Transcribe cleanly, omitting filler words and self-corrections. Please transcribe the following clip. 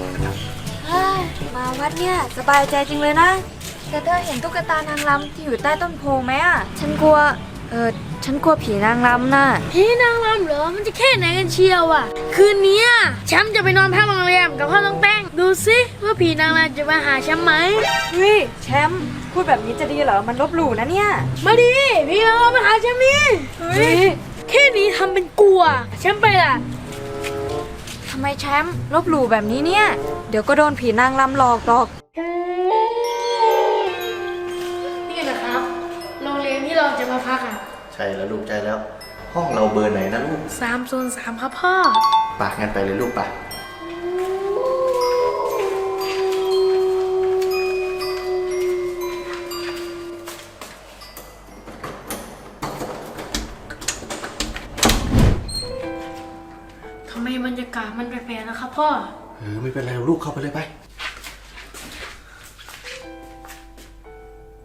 มาวัดเนี่ยสบายใจจริงเลยนะแต่เธอเห็นตุ๊กตานางรำที่อยู่ใต้ต้นโพไหมอ่ะฉันกลัวผีนางรำน่ะผีนางรำเหรอมันจะแค่ไหนกันเชียวอ่ะคืนนี้แชมป์จะไปนอนพักโรงแรมกับพ่อน้องแป้งดูสิว่าผีนางรำจะมาหาแชมป์ไหมเฮ้ยแชมป์พูดแบบนี้จะดีเหรอมันลบหลู่นะเนี่ยมาดิผีนางรำมาหาแชมป์นี่เฮ้ยแค่นี้ทำเป็นกลัวแชมป์ไปล่ะทำไมแชมป์ลบหลู่แบบนี้เนี่ยเดี๋ยวก็โดนผีนางรำหลอกหรอกนี่นะครับโรงเรียนที่เราจะมาพักใช่แล้วลูกใจแล้ว ห้องเราเบอร์ไหนนะลูก 303ครับพ่อปากงั้นไปเลยลูกปะทำไมบรรยากาศมันแปลกๆนะครับพ่อไม่เป็นไรลูกเข้าไปเลยไป